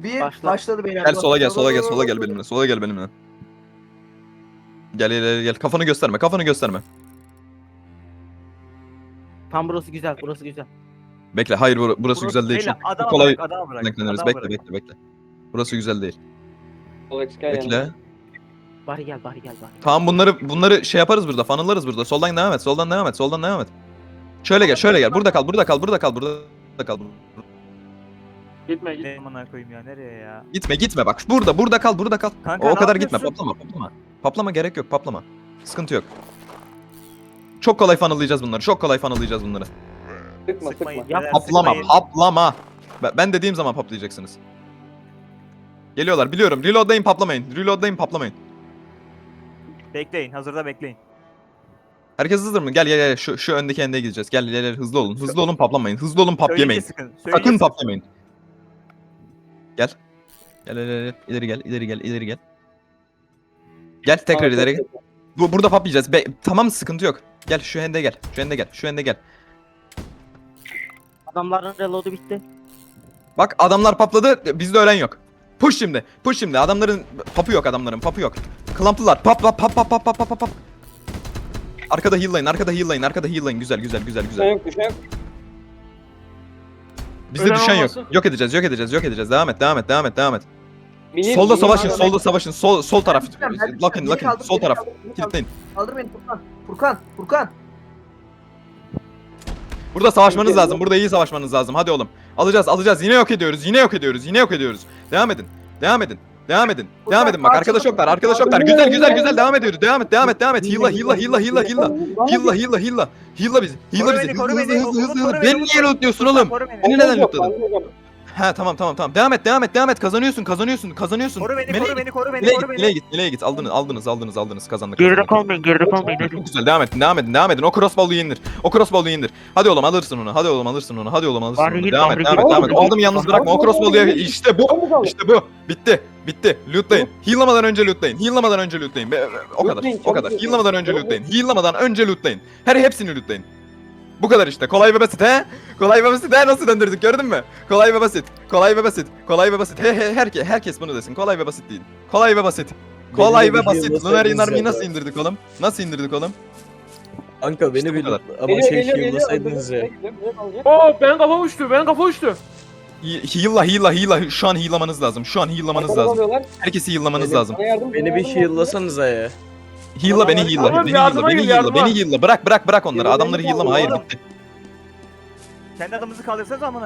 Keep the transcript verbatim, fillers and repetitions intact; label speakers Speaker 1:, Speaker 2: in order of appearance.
Speaker 1: Bir
Speaker 2: Başla.
Speaker 1: başladı beyler.
Speaker 3: Gel sola gel sola gel sola gel benimle. Sola gel benimle. Gel gel gel gel. Kafanı gösterme. Kafanı gösterme.
Speaker 2: Tam burası güzel, burası güzel.
Speaker 3: Bekle. Hayır bur- burası güzel değil.
Speaker 4: Beyler,
Speaker 3: Çok, çok
Speaker 4: adama
Speaker 3: kolay
Speaker 4: bırak, adama bırak.
Speaker 3: renkleniyoruz.
Speaker 4: adama
Speaker 3: Bekle
Speaker 4: bırak.
Speaker 3: bekle bekle. Burası güzel değil.
Speaker 5: Alex gel
Speaker 3: Bekle.
Speaker 5: yanıma.
Speaker 2: Bari gel, bari gel, bari.
Speaker 3: Tamam bunları bunları şey yaparız burada. Funnel'larız burada. Soldan devam et. Soldan devam et. Soldan devam et. Şöyle gel. Şöyle gel. Burada kal. Burada kal. Burada kal. Burada kal.
Speaker 5: Gitme git.
Speaker 4: Ne amına koyayım ya, nereye ya?
Speaker 3: Gitme gitme bak. Burada. Burada kal. Burada kal.
Speaker 4: Kanka,
Speaker 3: o
Speaker 4: ne
Speaker 3: kadar gitme.
Speaker 4: yapıyorsun?
Speaker 3: Patlama. Patlama. Patlama gerek yok. Patlama. Sıkıntı yok. Çok kolay funnel'layacağız bunları. Çok kolay funnel'layacağız bunları.
Speaker 5: Sıkma
Speaker 4: Sıkmayın.
Speaker 5: sıkma.
Speaker 4: beyler,
Speaker 3: Paplama.
Speaker 4: sıkmayın.
Speaker 3: Paplama. Ben- Ben dediğim zaman paplayacaksınız. Geliyorlar. Biliyorum. Reload'layın paplamayın. Reload'layın paplamayın.
Speaker 4: Bekleyin, hazırda bekleyin.
Speaker 3: Herkes hazır mı? Gel gel gel. Şu, şu öndeki endeye gideceğiz. Gel gel gel. Hızlı olun. Hızlı olun paplamayın. Hızlı olun pap
Speaker 4: Söyleyince
Speaker 3: yemeyin.
Speaker 4: sıkın.
Speaker 3: Sakın
Speaker 4: söyleyince sıkın.
Speaker 3: paplamayın. Gel. Gel gel gel. İleri gel. İleri gel. İleri gel. Gel tekrar ileri gel. Bu burada paplayacağız. Be tamam sıkıntı yok. Gel şu ende gel. Şu ende gel. Şu ende gel.
Speaker 2: Adamların reload'u bitti.
Speaker 3: Bak adamlar papladı. Bizde ölen yok. Push şimdi. Push şimdi. Adamların papı yok adamların. Papı yok. Klamplılar. Pap pap pap pap pap pap pap pap. Arkada heal'layın. Arkada heal'layın. Arkada heal'layın. Güzel güzel güzel
Speaker 5: Düşen
Speaker 3: güzel.
Speaker 5: yok düşen yok.
Speaker 3: Bizde
Speaker 5: Ölen
Speaker 3: düşen yok.
Speaker 5: olmasın.
Speaker 3: Yok edeceğiz. Yok edeceğiz. Yok edeceğiz. Devam et. Devam et. Devam et. Devam et.
Speaker 5: Mini-
Speaker 3: Solda
Speaker 5: mini-
Speaker 3: savaşın.
Speaker 5: mini-
Speaker 3: Solda savaşın. Sol sol taraf.
Speaker 1: Ben düşeceğim, ben
Speaker 3: Lakın
Speaker 1: düşeceğim.
Speaker 3: lakın.
Speaker 1: Beni kaldır,
Speaker 3: Sol
Speaker 1: beni
Speaker 3: taraf.
Speaker 1: kaldır, beni kaldır.
Speaker 3: Kilitleyin.
Speaker 1: Kaldır beni Furkan. Furkan. Furkan.
Speaker 3: Burada savaşmanız
Speaker 5: Geliyor.
Speaker 3: lazım. Burada iyi savaşmanız lazım. Hadi oğlum. Alacağız, alacağız. Yine yok ediyoruz. Yine yok ediyoruz. Yine yok ediyoruz. Devam edin. Devam edin. Devam edin. Devam edin bak. Arkadaş yoklar. Arkadaş yoklar. Güzel güzel güzel devam ediyoruz. Devam et. Devam et. Devam et. Hilla hilla hilla hilla hilla. Hilla hilla hilla. Hilla bizi. Hilla
Speaker 4: Koru
Speaker 3: bizi.
Speaker 4: beni,
Speaker 3: Hızlı
Speaker 4: koru
Speaker 3: hızlı
Speaker 4: beni.
Speaker 3: hızlı hızlı.
Speaker 4: Koru
Speaker 3: hızlı.
Speaker 4: beni,
Speaker 3: Beni
Speaker 4: koru
Speaker 3: niye
Speaker 4: beni.
Speaker 3: lootluyorsun oğlum?
Speaker 4: Koru beni.
Speaker 3: Beni neden
Speaker 5: Yok,
Speaker 3: lootladın?
Speaker 5: yok, yok.
Speaker 3: Ha tamam tamam tamam. Devam et. Devam et. Devam et. Kazanıyorsun. Kazanıyorsun. Kazanıyorsun.
Speaker 4: Koru beni,
Speaker 3: Meleğe
Speaker 4: koru beni, koru beni,
Speaker 3: Nereye
Speaker 4: koru
Speaker 3: git,
Speaker 4: beni.
Speaker 3: nereye git, nereye git? Aldınız, aldınız, aldınız, aldınız. Kazandık.
Speaker 2: Geride
Speaker 3: kazandık.
Speaker 2: kalmayın, geride kalmayın. Hadi.
Speaker 3: Çok güzel. Devam edin, devam edin, devam edin. O crossbow'u indir. O crossbow'u indir. Hadi oğlum alırsın onu. Hadi oğlum alırsın onu. Hadi oğlum alırsın
Speaker 2: Bari
Speaker 3: onu.
Speaker 2: git,
Speaker 3: Devam
Speaker 2: bari
Speaker 3: et, devam
Speaker 2: git.
Speaker 3: et, devam et. O adamı yalnız
Speaker 2: Bari
Speaker 3: bırakma. O crossbow'u ye. İşte bu.
Speaker 5: Hadi bakalım.
Speaker 3: İşte bu. Bitti. Bitti. Lootlayın. Heal'lamadan önce lootlayın. Heal'lamadan önce lootlayın. Be- be- O kadar.
Speaker 5: Lootlayın,
Speaker 3: O kadar.
Speaker 5: çabuk
Speaker 3: Heal'lamadan önce
Speaker 5: lootlayın.
Speaker 3: lootlayın. Heal'lamadan önce lootlayın. Her hepsini lootlayın. Bu kadar işte. Kolay ve basit he? Kolay ve basit he? Nasıl döndürdük gördün mü? Kolay ve basit. Kolay ve basit. Kolay ve basit. He he herkes herkes bunu desin. Kolay ve basit değil. Kolay ve basit. Kolay
Speaker 6: Beni de
Speaker 3: ve
Speaker 6: bir
Speaker 3: basit.
Speaker 6: heal'lasaydınız
Speaker 3: Lunar
Speaker 6: ya.
Speaker 3: Inarmy'yi nasıl indirdik oğlum? Nasıl indirdik oğlum?
Speaker 6: Kanka beni
Speaker 3: İşte bu
Speaker 6: bir
Speaker 3: kadar.
Speaker 6: ama
Speaker 5: Geliyor,
Speaker 6: şey
Speaker 5: geliyor, geliyor.
Speaker 6: heal'lasaydınız ya.
Speaker 5: Güzel, güzel alacak.
Speaker 7: Oo benim kafa uçtu, benim kafa uçtu.
Speaker 3: He- Heal'la heal'la heal'la. Şu an heal'lamanız lazım. Şu an heal'lamanız
Speaker 5: Arkadan
Speaker 3: lazım.
Speaker 5: alıyorlar.
Speaker 3: Herkesi heal'lamanız
Speaker 6: Beni-
Speaker 3: lazım.
Speaker 5: Bana yardım,
Speaker 6: Beni
Speaker 5: bana
Speaker 6: bir
Speaker 5: yardım,
Speaker 6: heal'lasanıza ya.
Speaker 3: Heal'la beni heal'la.
Speaker 7: Oğlum,
Speaker 3: Beni
Speaker 7: yardıma
Speaker 3: heal'la. Beni
Speaker 7: gel,
Speaker 3: heal'la.
Speaker 7: yardıma.
Speaker 3: Beni heal'la. Bırak bırak bırak onları.
Speaker 5: Yardıma
Speaker 3: Adamları
Speaker 5: gel,
Speaker 3: heal'lama. Hayır
Speaker 5: oğlum.
Speaker 3: bitti.
Speaker 4: Kendi adamımızı kaldırsanız amına.